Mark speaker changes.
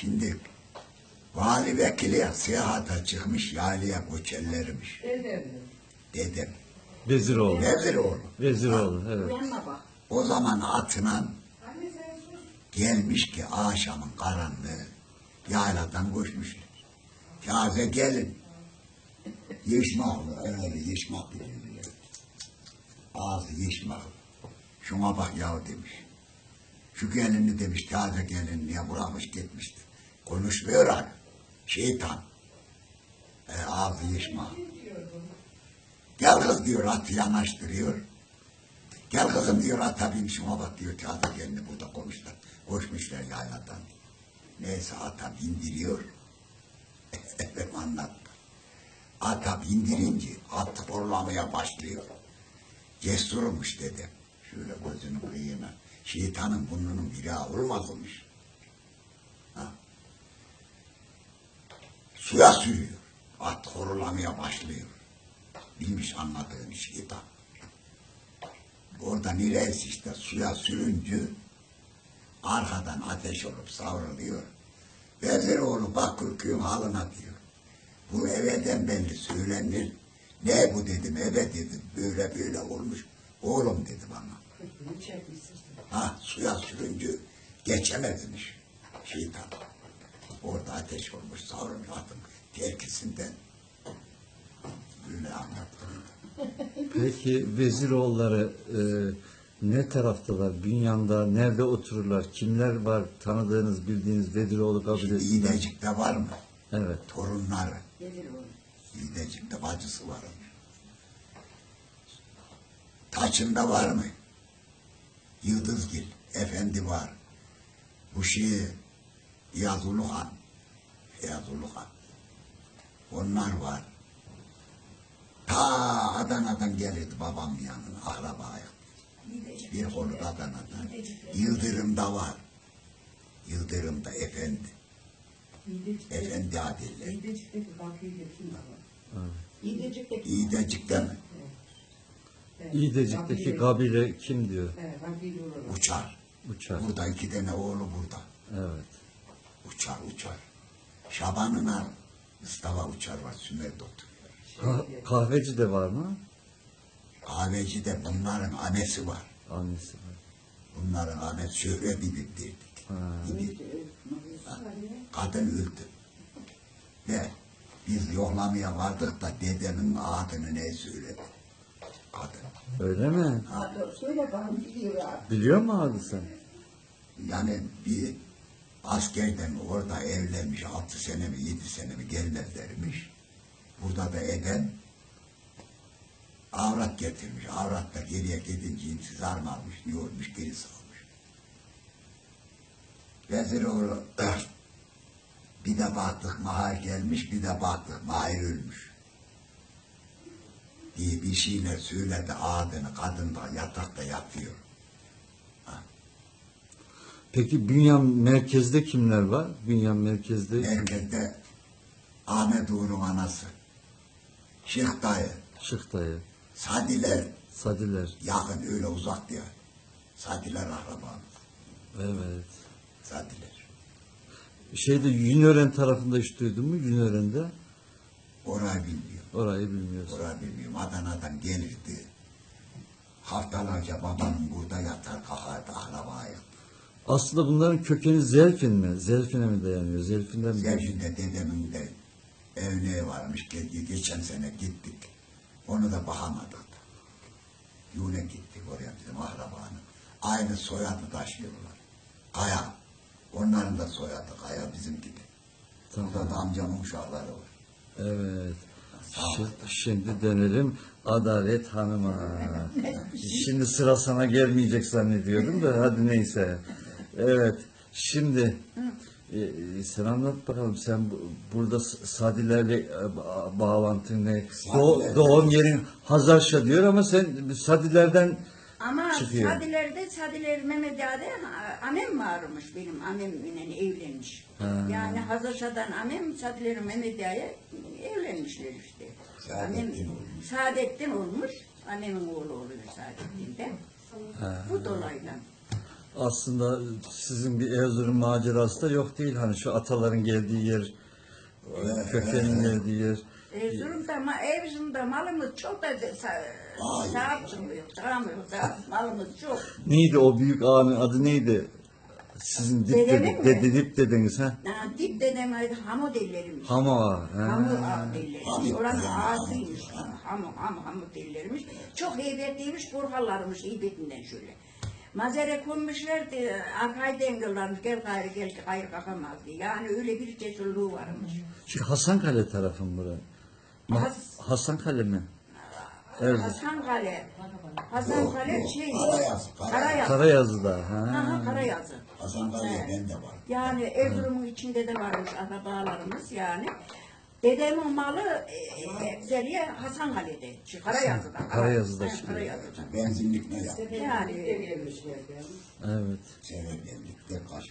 Speaker 1: Şimdi vali vekili seyahata çıkmış, yaylaya göçerlermiş. Dedem.
Speaker 2: Veziroğlu.
Speaker 1: Veziroğlu.
Speaker 2: Veziroğlu, evet.
Speaker 1: O zaman atına gelmiş ki akşamın karanlığı yayladan koşmuşlar. Taze gelin. Yeşmaklı, öyle yeşmak biliyor. Ağzı yeşmaklı. Şuna bak yahu demiş. Şu gelini demiş, taze gelin diye bırakmış gitmişti. Konuşmuyor abi. Şeytan. Ağzı yeşmaklı. Gel kız diyor, atı yanaştırıyor. Gel kızım diyor, ata bin şuna bak diyor, taze gelini burada konuşlar. Koşmuşlar yayladan. Neyse ata bindiriyor. Efendim anlattı. Ata bindirince at horlamaya başlıyor. Cesurmuş dedem. Şöyle gözünü kıyına. Şeytanın burnunun biri olmazmış. Suya sürüyor. At horlamaya başlıyor. Bilmiş anladığını şeytan. Oradan ilerisi işte suya sürünce arkadan ateş olup savruluyor. Veziroğlu Bakırköy'ün halına diyor. Bu eveden belli söylenir. Ne bu dedim, eve dedim, böyle böyle olmuş. Oğlum dedi bana. Suya sürünce geçemezmiş şeytan. Orada ateş olmuş, savrulmuş atın terkisinden. Böyle anlattım.
Speaker 2: Peki Veziroğulları ne taraftalar? Bünyan'da nerede otururlar? Kimler var tanıdığınız, bildiğiniz Veziroğlu kabilesinden?
Speaker 1: İğdecik'te var mı?
Speaker 2: Evet.
Speaker 1: Torunları. İğdecik'te bacısı var. Taçın'da var mı? Yıldızgil Efendi var. Bu Iyazulu Han. Onlar var. Ta Adana'dan gelirdi babam yanına, akrabaya. Bir konu Adana'dan. Yıldırım'da var. Yıldırım'da Efendi. Efendi adiller. İğdecik'te mi?
Speaker 2: İğdecik'teki kabile kim diyor?
Speaker 1: Uçar. Burada 2 tane oğlu burada.
Speaker 2: Evet.
Speaker 1: Uçar. Şaban'ın Mustafa Uçar var, Sümer'de oturuyor.
Speaker 2: Kahveci de var mı?
Speaker 1: Kahveci de bunların annesi var.
Speaker 2: Annesi var.
Speaker 1: Bunların annesi Şöhre Bibip derdik. Kadın öldü. Ve biz yoklamaya vardık da dedemin adını ne söyledi? Kadın.
Speaker 2: Öyle mi? Biliyor mu adı sen?
Speaker 1: Yani bir askerden orada evlenmiş, 6 sene mi 7 sene mi gelmezlermiş. Burada da eden avrat getirmiş. Avrat da geriye gidince intizar mı almış, ne olmuş, geri salmış. Veziroğlu bir de baktık Mahir gelmiş, bir de baktık Mahir ölmüş. Diye bir şeyler söyledi adını, kadın da yatakta yatıyor.
Speaker 2: Peki Bünyan merkezde kimler var? Bünyan merkezde
Speaker 1: Merkezde Ahmet Uğur'un anası, Şeyh dayı,
Speaker 2: Şık dayı,
Speaker 1: Sadiler yakın, öyle uzak diyor. Sadiler akrabamız.
Speaker 2: Evet.
Speaker 1: Sadiler.
Speaker 2: Şeyde Yünören tarafında hiç duydun mu? Yünören'de?
Speaker 1: Orayı bilmiyorum.
Speaker 2: Orayı bilmiyorsun.
Speaker 1: Orayı bilmiyorum. Adana'dan gelirdi. Haftalarca babamın burada yatar kalkardı akrabayı.
Speaker 2: Aslında bunların kökeni Zelfin mi? Zelfin'e mi dayanıyor? Zelfin'den mi?
Speaker 1: Zelfin'de dedemin de evine varmış. Geçen sene gittik. Onu da bakamadık da. Yune gittik oraya bizim akrabanın. Aynı soyadı taşıyorlar. Kaya. Onların da soyadı Kaya bizim gibi.
Speaker 2: Tamam.
Speaker 1: Burada da amcamın uşakları var.
Speaker 2: Evet. Şimdi dönelim Adalet Hanım'a. Şimdi sıra sana gelmeyecek zannediyordum da hadi neyse. Evet. Şimdi sen anlat bakalım, sen burada Sadilerle bağlantın ne? Doğum yerin Hazarşa diyor ama sen Sadilerden
Speaker 3: ama
Speaker 2: çıkıyor.
Speaker 3: Sadiler Mehmet Ağa'da amem varmış, benim amemle evlenmiş. Yani Hazarşa'dan amem Sadiler Mehmet Ağa'ya evlenmişler işte. Saadettin olmuş. Annemin oğlu oluyor Saadettin'de. Bu dolayla.
Speaker 2: Aslında sizin bir Erzurum macerası da yok değil. Hani şu ataların geldiği yer, kökenin geldiği yer.
Speaker 3: Erzurum'da malımız çok da sahip çıkmıyor. Malımız çok.
Speaker 2: Neydi o büyük ağanın adı neydi? Sizin
Speaker 3: Dedemin mi?
Speaker 2: dip dediniz ha?
Speaker 3: Dip dedem Hamud elleriymiş.
Speaker 2: Hamo ağa.
Speaker 3: Hamud elleriymiş. Oranın ağasıymış. Hamud elleriymiş. Çok heybetliymiş, burhalarmış heybetinden şöyle. Mazere konmuşlardı, arkayı dengillermiş, gel gayrı kalkamaz diye. Yani öyle bir cesurluğu varmış.
Speaker 2: Şu Hasankale tarafı mı bura? Hasankale mi?
Speaker 3: Hasankale. Hasankale şey.
Speaker 1: Karayazı.
Speaker 2: Karayazı'da.
Speaker 3: Karayazı.
Speaker 1: Hasankale'ye ben de var.
Speaker 3: Yani Erzurum'un içinde de varmış akrabalarımız yani. Dedemin malı Zeliye Hasankale'de. Karayazı'da.
Speaker 2: Karayazı'da çıkıyor.
Speaker 3: Karayazı'da.
Speaker 1: Benzinlik ne yaptı?
Speaker 3: Yani
Speaker 2: Evet.
Speaker 1: Sevebenlikte kaç